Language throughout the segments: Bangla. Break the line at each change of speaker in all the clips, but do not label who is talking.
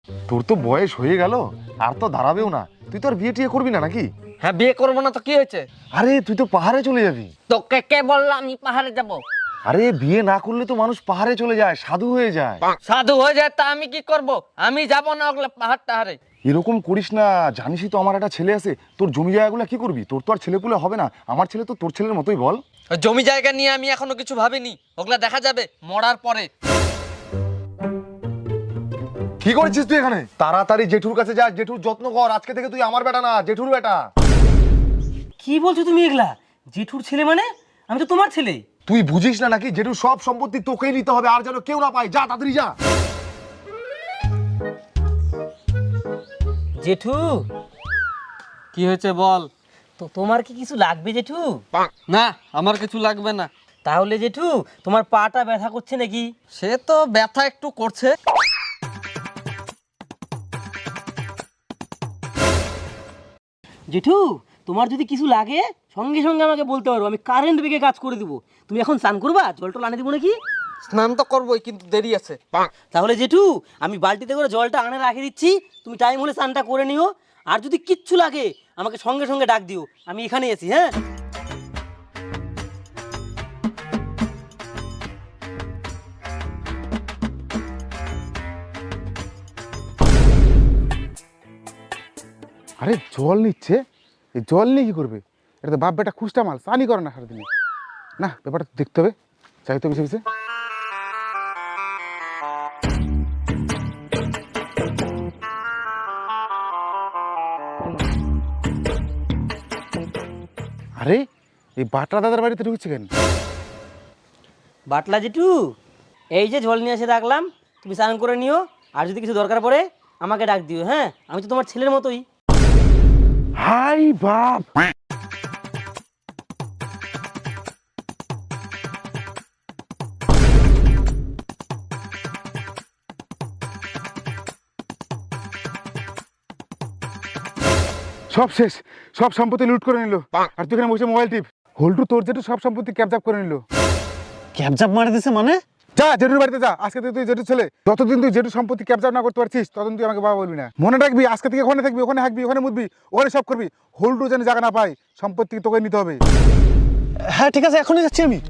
তোর তো বয়স হয়ে গেল, আর তো দাঁড়াবেও না। তুই তো আর বিয়ে টিয়ে করবি না নাকি?
হ্যাঁ, বিয়ে করবো না তো কি হয়েছে?
আরে তুই তো পাহাড়ে চলে যাবি।
তোকে কে বললো আমি পাহাড়ে যাব?
আরে বিয়ে না করলে তো মানুষ পাহাড়ে চলে যায়, সাধু হয়ে যায়।
সাধু হয়ে যায় তা আমি কি করব? আমি যাব না ওগুলো পাহাড় টাহাড়ে।
এরকম করিস না, জানিসই তো আমার একটা ছেলে আছে। তোর জমি জায়গাগুলো কি করবি? তোর তো আর ছেলেপুলে হবে না, আমার ছেলে তো তোর ছেলের মতোই, বল।
ওই জমি জায়গা নিয়ে আমি এখনো কিছু ভাবিনি, ওগুলা দেখা যাবে মরার পরে।
কি করছিস তুই এখানে? তাড়াতাড়ি জেঠুর কাছে যা, জেঠুর যত্ন কর। আজকে থেকে তুই আমার বেটা না, জেঠুর বেটা।
কি বলছো তুমি এগুলা? জেঠুর ছেলে মানে? আমি তো তোমার ছেলে।
তুই বুঝিস না নাকি? জেঠুর সব সম্পত্তি তোকেই নিতে হবে, আর যেন কেউ না পায়। যা তাড়াতাড়ি যা।
জেঠু,
কি হয়েছে বল?
তো তোমার কি কিছু লাগবে জেঠু?
না, আমার কিছু লাগবে না।
তাহলে জেঠু, তোমার পাটা ব্যথা করছে নাকি?
সে তো ব্যথা একটু করছে।
জেঠু, তোমার যদি কিছু লাগে সঙ্গে সঙ্গে আমাকে বলতে পারো, আমি কারেন্ট বেগে কাজ করে দিব। তুমি এখন স্নান করবা? জল টল আনে দিব নাকি?
স্নান তো করবোই, কিন্তু দেরি আছে।
তাহলে জেঠু, আমি বালতিতে করে জলটা আনে রাখে দিচ্ছি, তুমি টাইম হলে স্নানটা করে নিও। আর যদি কিচ্ছু লাগে আমাকে সঙ্গে সঙ্গে ডাক দিও, আমি এখানে আছি। হ্যাঁ,
আরে জল নিচ্ছে, এই জল নিয়ে কি করবে? এটা তো বাপ বেটা খুশটা মাল, চানি করে না সারাদিনে। না, ব্যাপারটা তো দেখতে হবে, চাই তো বিষয় বিষয়। আরে এই বাটরা দাদার বাড়িতে ঢুকছে কেন?
বাটলা জেঠু, এই যে জল নিয়ে এসে রাখলাম, তুমি স্নান করে নিও। আর যদি কিছু দরকার পড়ে আমাকে ডাক দিও। হ্যাঁ, আমি তো তোমার ছেলের মতোই।
হাই বাপ! সব শেষ, সব সম্পত্তি লুট করে নিল। আর তুই এখানে বসে মোবাইল টিপ। হল্টু তোর জেঠু সব সম্পত্তি ক্যাপচাপ করে নিল।
ক্যাপচাপ মারে দিছে মানে?
যা জেঠুর বাড়িতে যা, আজকে থেকে তুই জেঠু ছেলে। যতদিন তুই জেঠু সম্পত্তি ক্যাপচার না করতে পারছিস ততদিন তুই আমাকে বাবা বলবি না। মনে রাখবি, আজকে থেকে ওখানে থাকবি, ওখানে হাঁকবি, ওখানে মুতবি, ওখানে সব করবি। হল্টু যেন জায়গা না পাই, সম্পত্তি তোকে নিতে হবে।
হ্যাঁ ঠিক আছে, এখনই যাচ্ছি আমি।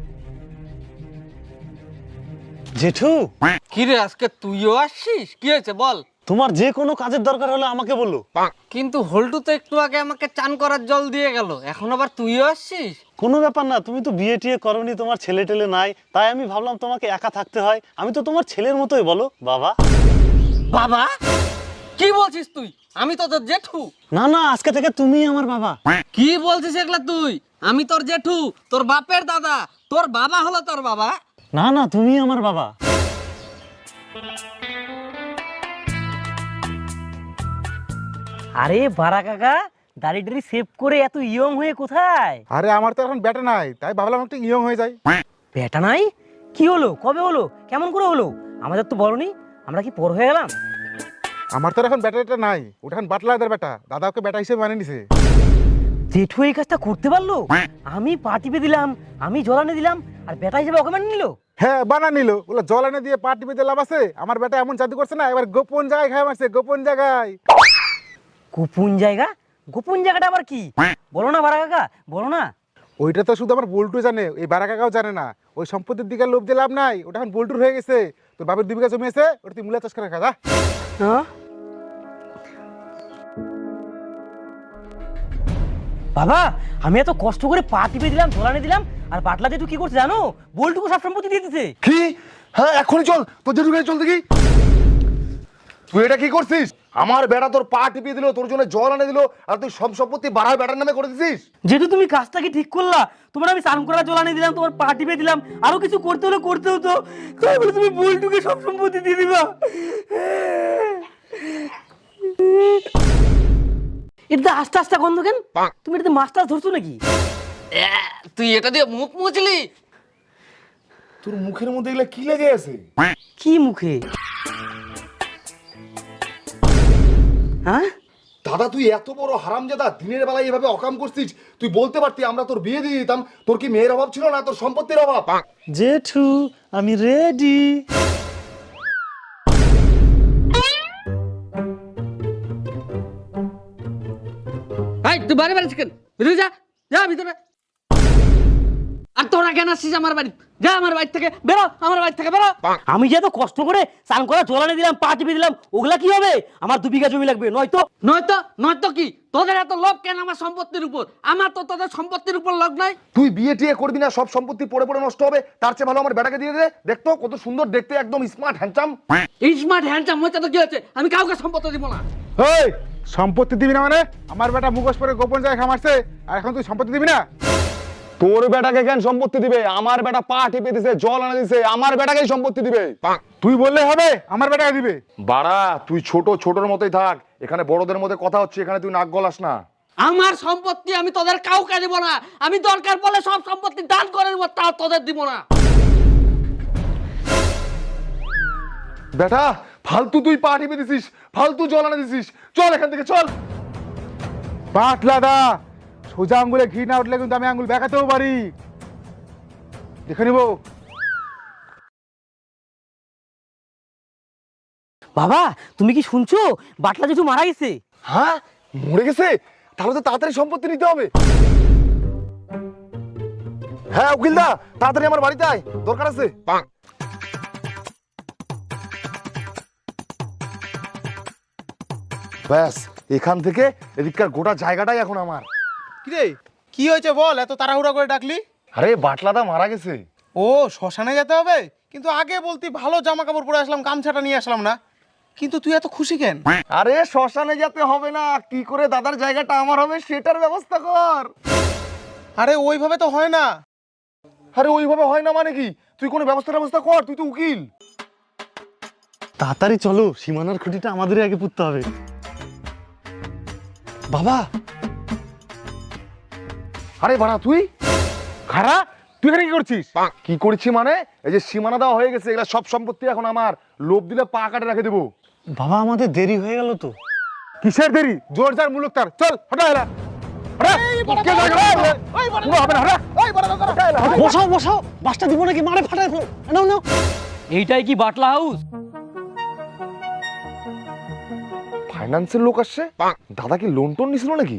জেঠু,
কি রে, আজকে তুইও আসছিস? কি হয়েছে বল?
তোমার যে কোনো কাজের দরকার হলে আমাকে বলো।
কিন্তু হল্টু তো একটু আগে আমাকে চান করার জল দিয়ে গেল, এখন আবার তুইও আসছিস?
কোনো ব্যাপার না, তুমি তো বিয়ে টিয়ে করনি, তোমার ছেলে টেলে নাই, তাই আমি ভাবলাম তোমাকে একা থাকতে হয়। আমি তো তোমার ছেলের মতোই, বলো বাবা।
বাবা? কি বলছিস তুই? আমি তো তোর জেঠু।
না না, আজকে থেকে তুমি আমার বাবা।
কি বলছিস এগুলা তুই? আমি তোর জেঠু, তোর বাপের দাদা, তোর বাবা হলো তোর বাবা।
না না, তুমি আমার বাবা।
আরে বারা কাকা, দাড়ি টাড়ি সেভ করে এত ইয়ং হয়ে কোথায়?
আরে আমার তো এখন ব্যাটা নাই, তাই ভাবলাম একটু ইয়ং হয়ে যায়।
বেটা নাই? কি হলো? কবে হলো? কেমন করে হলো? আমাদের তো বলনি, আমরা কি পর হয়ে গেলাম?
আমার তো এখন ব্যাটাটা নাই, ওটা এখন বাটলাদের বেটা, দাদা ওকে বেটা হিসেবে মানে নিছে।
জেঠু এই কাজটা করতে পারলো? আমি পা টিপে দিলাম, আমি জলানে দিলাম, আর বেটা হিসেবে ওকে মানে নিল?
হ্যাঁ বানা নিল, ওগুলো জল এনে দিয়ে পা টিপে দিয়ে লাভ আছে? আমার বেটা এমন জাদু করছে না, এবার গোপন জায়গায় খাই মারছে, গোপন জায়গায়।
গোপন জায়গা? গোপন জায়গাটা আবার কি? বলো না বারা কাকা, বলো না।
ওইটা তো শুধু আমার বল্টু জানে, এই বারা কাকাও জানে না। ওই সম্পত্তির দিকে লোভ দিয়ে লাভ নাই, ওটা এখন বল্টুর হয়ে গেছে। তোর বাপের 2 বিঘা জমি আছে, ওটা তুই মূলা চাষ করে খা।
হ্যাঁ? বাবা, আমি এত কষ্ট করে পা টিপে দিলাম, জলানে দিলাম, আর বাটলা জেঠু কি করছে জানো? বল্টুকু সব সম্পত্তি দিয়ে দিতে।
কি? হ্যাঁ এখনই চল, তোর জেঠুর কাছে চল দেখি। তুই এটা কি করছিস? আমার বেটা তোর পা টিপিয়ে দিল, তোর জন্য জল এনে দিল, আর তুই সব সম্পত্তি বাড়ার বেটার নামে করে দিছিস।
যেহেতু তুমি কাজটা কি ঠিক করলা? তোমার আমি স্নান করা জলানে দিলাম, তোমার পা টিপে দিলাম, আরো কিছু করতে হলে করতে হতো, তাই বলে তুমি বল্টুকে সব সম্পত্তি দিয়ে দিবা? এটা আস্তে আস্তে গন্ধ কেন? তুমি এটাতে মাছ টাছ ধরছো নাকি?
তুই এটা দিয়ে মুখ মুছলি?
তোর মুখের মধ্যে এগুলা কি লেগে আছে?
কি মুখে? হ্যাঁ
দাদা তুই এত বড় হারামজাদা, দিনের বেলায় এভাবে অকাম করছিস। তুই বলতে পারতি, আমরা তোর বিয়ে দিয়ে দিতাম। তোর কি মেয়ের অভাব ছিল না, তোর সম্পত্তির অভাব?
জেঠু, আমি রেডি।
এই তুই বাড়ি বাড়ি চিকেন ভিতরে যা, যা ভিতরে। আর তোরা কেন আসছিস আমার বাড়ি? যা আমার বাড়ি থেকে বেরো, আমার বাড়ি থেকে বেরো।
আমি যে এত কষ্ট করে স্নান করা জল এনে দিলাম, পা টিপে দিলাম, ওগুলা কি হবে? আমার 2 বিঘা জমি লাগবে,
নয়তো কি তোদের এত লোভ কেন আমার সম্পত্তির উপর? আমার তো তোদের সম্পত্তির উপর লোভ নাই।
তুই বিয়ে টিয়ে করবি না, সব সম্পত্তি পড়ে পড়ে নষ্ট হবে, তার চেয়ে ভালো আমার বেটাকে দিয়ে দে। দেখতো কত সুন্দর দেখতে, একদম স্মার্ট হ্যান্ডসাম।
স্মার্ট হ্যান্ডসাম হচ্ছে তো কি হচ্ছে? আমি কাউকে সম্পত্তি দিব না।
এই সম্পত্তি দিবি না মানে? আমার বেটা মুখোশ পরে গোপন জায়গা মারছে, আর এখন তুই সম্পত্তি দিবি না?
তোর বেটাকে কেন সম্পত্তি দিবে? আমার বেটা পা টিপে দিছে, জল আনা দিছে, আমার বেটাকেই সম্পত্তি দিবে।
তুই বললে হবে আমার বেটাকে দিবে?
বাড়া তুই ছোটর মতোই থাক, এখানে বড়দের মধ্যে কথা হচ্ছে, এখানে তুই নাক গলাস না।
আমার সম্পত্তি আমি তোদের কাউকে দিব না। আমি দরকার পড়লে সব সম্পত্তি দান করে দেবো, তাও তোদের দিব না।
বেটা ফালতু তুই পা টিপে দিছিস, ফালতু জল আনা দিছিস, চল এখান থেকে চল।
পাটলাদা, সোজা আঙ্গুলে ঘি না উঠলে কিন্তু আমি আঙ্গুল বেঁকাতেও পারি, দেখে নিব।
বাবা তুমি কি শুনছো? বাটলা জেঠু মারা গেছে।
হ্যাঁ মরে গেছে? তাহলে তো তাড়াতাড়ি সম্পত্তি নিতে হবে। হ্যাঁ উকিলদা, তাড়াতাড়ি আমার বাড়িতে আয়, দরকার আছে। ব্যাস এখান থেকে এদিককার গোটা জায়গাটাই এখন আমার।
কিরে কি হয়েছে বল, এত তাড়াহুড়া করে ডাকলি?
আরে বাটলাদা মারা গেছে।
ও শ্মশানে যেতে হবে? কিন্তু আগে বলতি ভালো জামা কাপড় পরে আসলাম, গামছাটা নিয়ে আসলাম না। কিন্তু তুই এত খুশি কেন?
আরে শ্মশানে যেতে হবে না, কি করে দাদার জায়গাটা আমার হবে সেটার ব্যবস্থা কর।
আরে ওইভাবে তো হয় না।
আরে ওইভাবে হয় না মানে কি? তুই কোনো ব্যবস্থা কর, তুই তো উকিল।
তাড়াতাড়ি চলো, সীমানার খুঁটিটা আমাদেরই আগে পুঁততে হবে। বাবা
আরে বাড়া তুই
খারা, তুই এখানে কি করছিস?
কি করছি মানে? এই যে সীমানা দেওয়া হয়ে গেছে, এগুলা সব সম্পত্তি এখন আমার। লোভ দিলে পা কাটে রেখে দেবো।
বাবা আমাদের দেরি হয়ে গেল তো।
কিসের দেরি? জোর যার মুলুক তার, চল হটা এলা হটা। কে যাবে? পুরো হবে না, হটা।
বসাও বসাও, বাসটা দিব নাকি? মারে ফাটাই ফেলো, নাও নাও।
এইটাই কি বাটলা হাউস?
ফাইন্যান্সের লোক আসছে। দাদা কি লোন টোন নিছিল নাকি?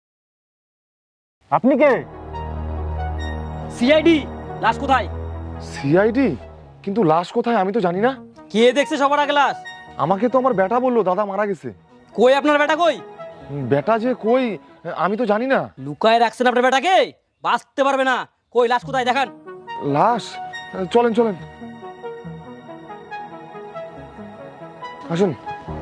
আপনি কে?
সিআইডি। লাশ কোথায়?
সিআইডি? কিন্তু লাশ কোথায় আমি তো জানি না।
কে দেখছে সবার আগে লাশ?
আমাকে তো আমার বেটা বললো দাদা মারা গেছে।
কই আপনার বেটা কই?
বেটা যে কই আমি তো জানি না।
লুকায় রাখছেন আপনার বেটাকে, বাঁচতে পারবে না। কই লাশ কোথায় দেখান।
লাশ? চলেন আসুন।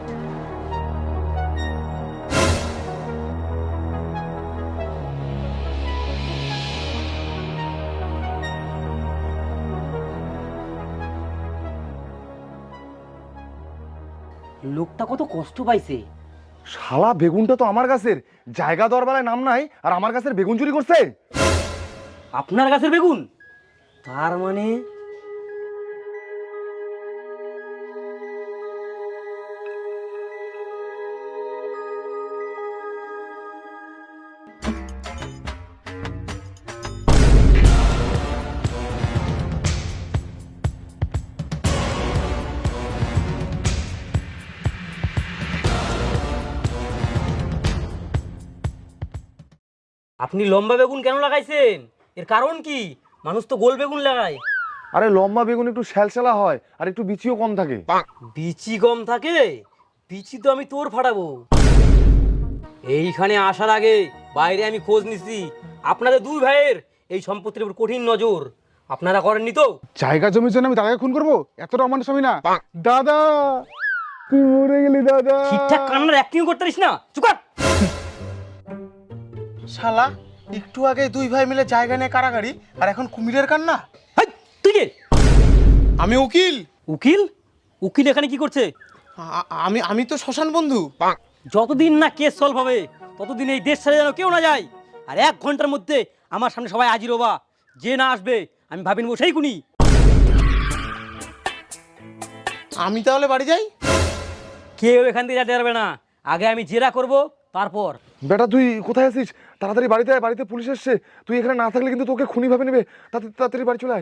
লোকটা কত কষ্ট পাইছে।
শালা বেগুনটা তো আমার গাছের, জায়গা দরবারে নাম নাই, আর আমার গাছের বেগুন চুরি করছে।
আপনার গাছের বেগুন? তার মানে আপনি লম্বা বেগুন কেন লাগাইছেন? এর কারণ কি? মানুষ তো গোল বেগুন লাগায়।
আরে লম্বা বেগুন একটু শ্যালশ্যালা হয়, আর একটু বিচিও কম থাকে।
বিচি কম থাকে? বিচি তো আমি তোর ফাটাবো। এইখানে আসার আগে বাইরে আমি খোঁজ নিছি, আপনাদের 2 ভাইয়ের এই সম্পত্তির উপর কঠিন নজর। আপনারা করেননি তো?
জায়গা জমির জন্য আমি দাদাকে খুন করবো? এতটা অমানুষ আমি না। দাদা তুই মরে গেলি দাদা।
ঠিকঠাক কান্নার অ্যাক্টিং করতে পারিস না? চুপ কর।
শালা একটু আগে 2 ভাই মিলে জায়গা নিয়ে কারাগারি, আর এখন কুমিরের কান্না।
হাই, তুই কে?
আমি উকিল।
উকিল? উকিল এখানে কি করছে?
আমি তো শ্মশান বন্ধু।
যতদিন না কেস সলভ হবে ততদিন এই দেশ ছেড়ে যেন কেউ না যায়। আর 1 ঘন্টার মধ্যে আমার সামনে সবাই হাজির হবা। যে না আসবে আমি ভাবি নেবো সেই কুনি।
আমি তাহলে বাড়ি যাই?
কেউ এখান থেকে যেতে পারবে না। আগে আমি জেরা করব, তারপর।
বেটা তুই কোথায় আছিস? তাড়াতাড়ি বাড়িতে আয়, বাড়িতে পুলিশ এসছে। তুই এখানে না থাকলে কিন্তু তোকে খুনি ভাবে নেবে। তাড়াতাড়ি বাড়ি চলে আয়।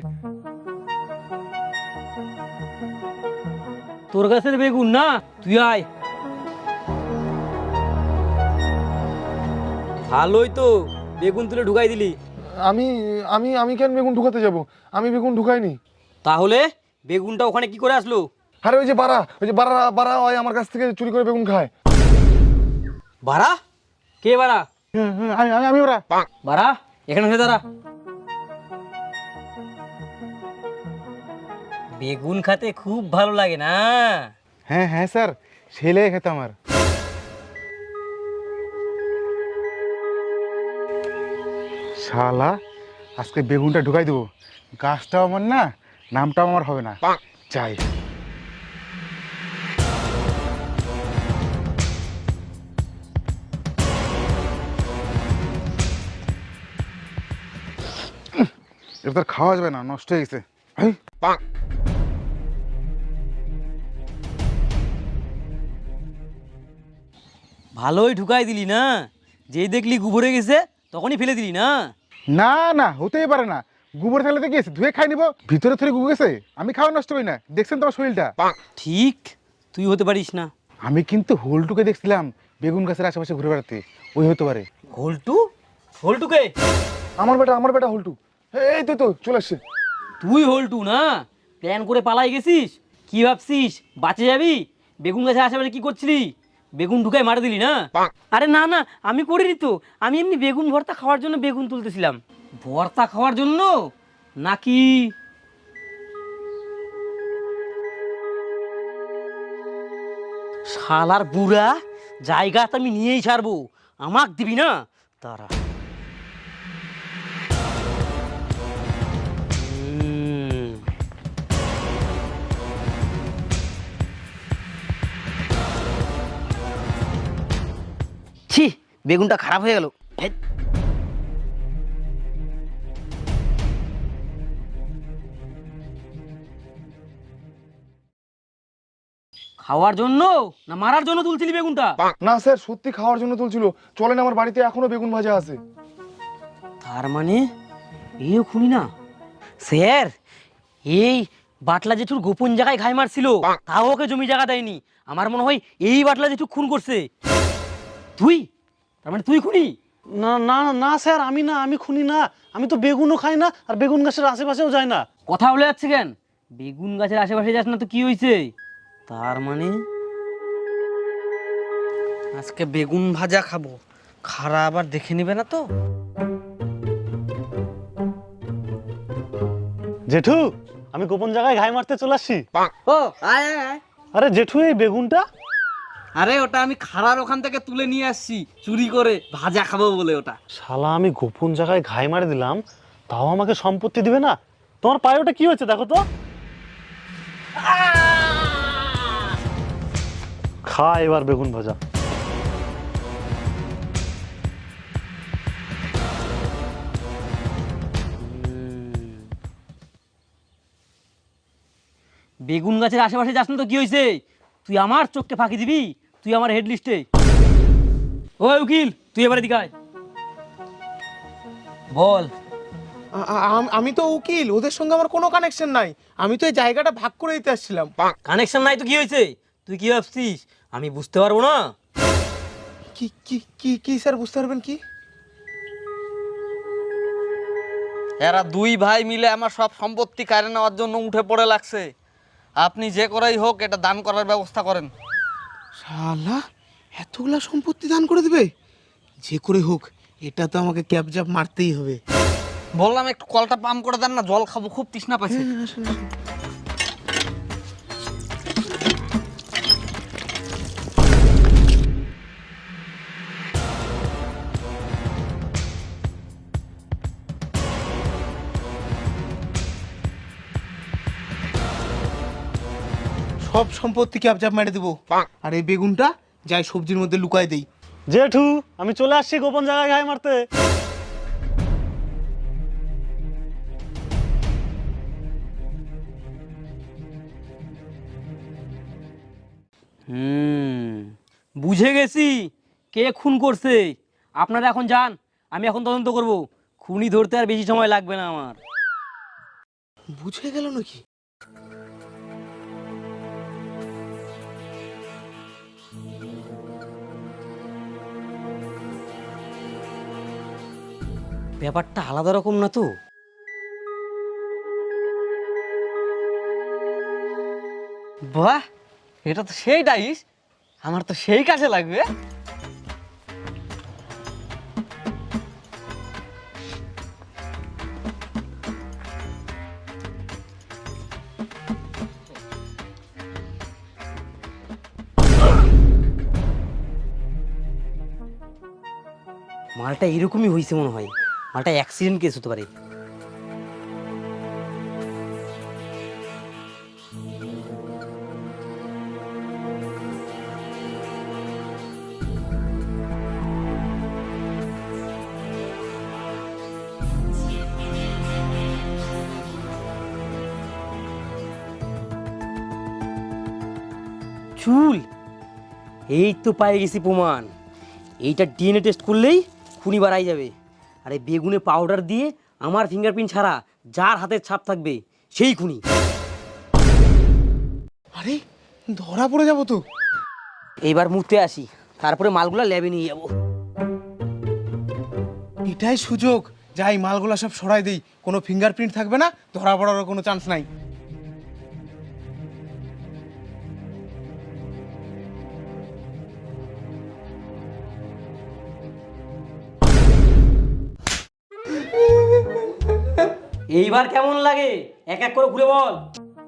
তোর গাছের বেগুন না, তুই আয়। ভালোই তো, বেগুন তুলে ঢুকাই দিলি।
আমি আমি আমি কেন বেগুন ঢুকাতে যাব? আমি বেগুন ঢুকাইনি।
তাহলে বেগুনটা ওখানে কি করে আসলো?
আরে ওই যে বাড়া বাড়া হয় আমার কাছ থেকে চুরি করে বেগুন খায়।
বাড়া? কে বাড়া?
আমি ওরা
বাড়া, এখানে এসে দাঁড়া। বেগুন খেতে খুব ভালো লাগে না?
হ্যাঁ হ্যাঁ স্যার, ছেলে খেতে আমার। শালা আজকে বেগুনটা ঢুকাই দেবো, গাছটাও আমার না, নামটাও আমার হবে না। চাই এটা তো আর খাওয়া যাবে না, নষ্ট হয়ে গেছে। এই,
ভালোই ঢুকাই দিলি না? যেই দেখলি গুবরে গেছে তখনই ফেলে দিলি না?
না না, হতেই পারে না। গোবর থাকলে গেছে ধুয়ে খাই নিবো, ভিতরে থরে গু গেছে। আমি খাওয়া নষ্ট করি না, দেখছেন তোমার শরীরটা।
ঠিক, তুই হতে পারিস না।
আমি কিন্তু হোলটুকে দেখছিলাম বেগুন গাছের আশেপাশে ঘুরে বেড়াতে, ওই হতে পারে।
হোল্টু? হোল্টুকে?
আমার বেটা হুলটু। এই তো চলে আসছে।
তুই হোল্টু না? প্ল্যান করে পালাই গেছিস? কি ভাবছিস বাঁচে যাবি? বেগুন গাছের আশেপাশে কি করছিলি? বেগুন ঢুকাই মারা দিলি না? আরে না না, আমি করিনি তো। আমি এমনি বেগুন ভর্তা খাওয়ার জন্য বেগুন তুলতেছিলাম। ভর্তা খাওয়ার জন্য নাকি? শালার বুড়া, জায়গা তো আমি নিয়েই ছাড়বো, আমাক দিবি না? তারা ছি, বেগুনটা খারাপ হয়ে গেল। খাওয়ার জন্য না মারার জন্য তুলছিলি বেগুনটা?
না স্যার, সত্যি খাওয়ার জন্য তুলছিল। চলেন, আমার বাড়িতে এখনো বেগুন ভাজা আছে।
তার মানে এও খুনি না? স্যার, এই বাটলা জেঠুর গোপন জায়গায় ঘাই মারছিল, তাও ওকে জমি জায়গা দেয়নি। আমার মনে হয় এই বাটলা জেঠু খুন করছে। তুই, তার মানে তুই খুনি?
না না না স্যার, আমি না, আমি খুনি না। আমি তো বেগুনও খাই না, আর বেগুন গাছের আশেপাশেও যাই না।
কথা বলে যাচ্ছে কেন? বেগুন গাছের আশেপাশে যাস না তো কি হয়েছে? তার মানে আজকে বেগুন ভাজা খাবো, খারা আবার দেখে নেবে না তো?
জেঠু, আমি গোপন জায়গায় ঘাই মারতে চলে আসছি।
ও আয় আয় আয়।
আরে জেঠু, এই বেগুনটা?
আরে ওটা আমি খাড়ার ওখান থেকে তুলে নিয়ে আসছি চুরি করে, ভাজা খাবো বলে ওটা।
শালা, আমি গোপন জায়গায় ঘাই মারে দিলাম, তাও আমাকে সম্পত্তি দিবে না? তোমার পায়ে ওটা কি হয়েছে দেখো তো। খা এবার বেগুন ভাজা।
বেগুন গাছের আশেপাশে যাস না তো কি হয়েছে? তুই আমার চোখকে ফাঁকি দিবি? তুই আমার হেড লিস্টে। ওই উকিল, তুই এবারে দিকায় বল।
আমি তো উকিল, ওদের সঙ্গে আমার কোনো কানেকশন নাই। আমি তো এই জায়গাটা ভাগ করে দিতে আসছিলাম।
কানেকশন নাই তো কি হয়েছে? তুই কি ভাবছিস আমি বুঝতে পারবো না?
কি কি কি কি স্যার, বুঝতে পারবেন কি?
এরা দুই ভাই মিলে আমার সব সম্পত্তি কেড়ে নেওয়ার জন্য উঠে পড়ে লাগছে। আপনি যে করেই হোক এটা দান করার ব্যবস্থা করেন।
শালা, এতগুলা সম্পত্তি দান করে দেবে? যে করে হোক এটা তো আমাকে ক্যাবজাপ মারতেই হবে।
বললাম একটু কলটা পাম্প করে দেন না, জল খাবো, খুব তৃষ্ণা পাইছে।
সব সম্পত্তি ক্যাবজাপ মেরে দেবো, আর এই বেগুনটা যাই সবজির মধ্যে লুকায় দেই।
জেঠু, আমি চলে আসছি গোপন জায়গায় ঘাই মারতে।
বুঝে গেছি কে খুন করছে। আপনারা এখন যান, আমি এখন তদন্ত করব। খুনি ধরতে আর বেশি সময় লাগবে না আমার।
বুঝে গেল নাকি?
ব্যাপারটা আলাদা রকম না তো?
বাহ, এটা তো সেই ডাইস, আমার তো সেই কাজে লাগবে।
মালটা এরকমই হয়েছে মনে হয়, মালটা অ্যাক্সিডেন্ট কেস হতে পারে। চুল, এই তো পাই গেছি প্রমাণ। এইটা ডিএনএ টেস্ট করলেই খুনি বাড়াই যাবে। আর এই বেগুনে পাউডার দিয়ে আমার ফিঙ্গারপ্রিন্ট ছাড়া যার হাতের ছাপ থাকবে সেই খুনি।
আরে ধরা পড়ে যাবো তো।
এইবার মুতে আসি, তারপরে মালগুলা ল্যাবে নিয়ে যাবো।
এটাই সুযোগ, যাই মালগুলা সব সরাই দেই, কোনো ফিঙ্গারপ্রিন্ট থাকবে না, ধরা পড়ারও কোনো চান্স নাই।
এইবার কেমন লাগে এক এক করে ঘুরে বল।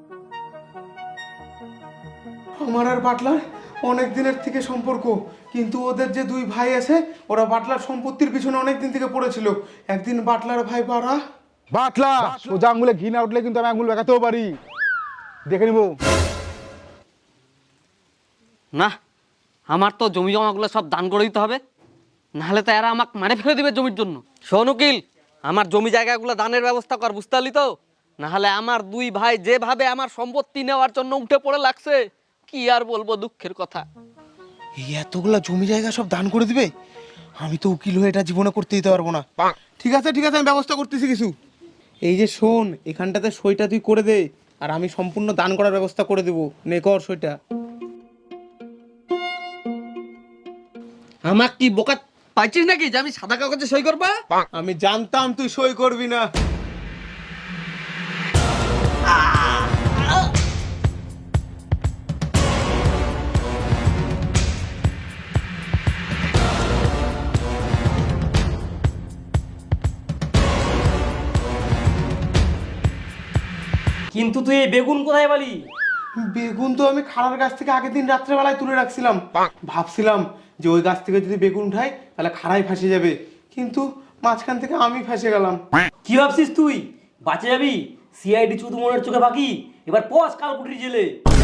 আমার আর বাটলার অনেক দিনের থেকে সম্পর্ক, কিন্তু ওদের যে দুই ভাই আছে ওরা বাটলার সম্পত্তির পিছনে অনেক দিন থেকে পড়েছিল। একদিন বাটলার ভাই বাড়া
বাটলা সোজা আঙুলে ঘি না উঠলে কিন্তু আমি আঙুল বেঁকাতেও পারি, দেখে নিবো।
না, আমার তো জমি জমাগুলো সব দান করে দিতে হবে, নাহলে তো এরা আমাকে মারে ফেলে দিবে জমির জন্য। শোন উকিল, আমার জমি জায়গাগুলো দানের ব্যবস্থা কর, বুঝতে পারলি তো? নাহলে আমার দুই ভাই যেভাবে আমার সম্পত্তি নেওয়ার জন্য উঠে পড়ে লাগছে, কি আর বলবো দুঃখের কথা।
এই এতগুলা জমি জায়গা সব দান করে দিবে? আমি তো উকিল হয়ে এটা জীবনে করতে দিতে পারবো না। ঠিক আছে ঠিক আছে, আমি ব্যবস্থা করতেছি কিছু। এই যে শোন, এখানটাতে সইটা তুই করে দে, আর আমি সম্পূর্ণ দান করার ব্যবস্থা করে দেবো। নে কর সইটা।
আমার কি বোকা পাইছিস নাকি যে আমি সাদা কাগজে সই করবা?
আমি জানতাম তুই সই করবি না।
কিন্তু তুই এই বেগুন কোথায় পালি?
বেগুন তো আমি খাড়ার গাছ থেকে আগের দিন রাত্রেবেলায় তুলে রাখছিলাম। ভাবছিলাম যে ওই গাছ থেকে যদি বেগুন উঠাই তাহলে খাড়াই ফাঁসে যাবে, কিন্তু মাঝখান থেকে আমি ফেঁসে গেলাম।
কি ভাবছিস তুই বাঁচে যাবি? সিআইডি চুদু মনের চোখে বাকি, এবার পস কালকুটির জেলে।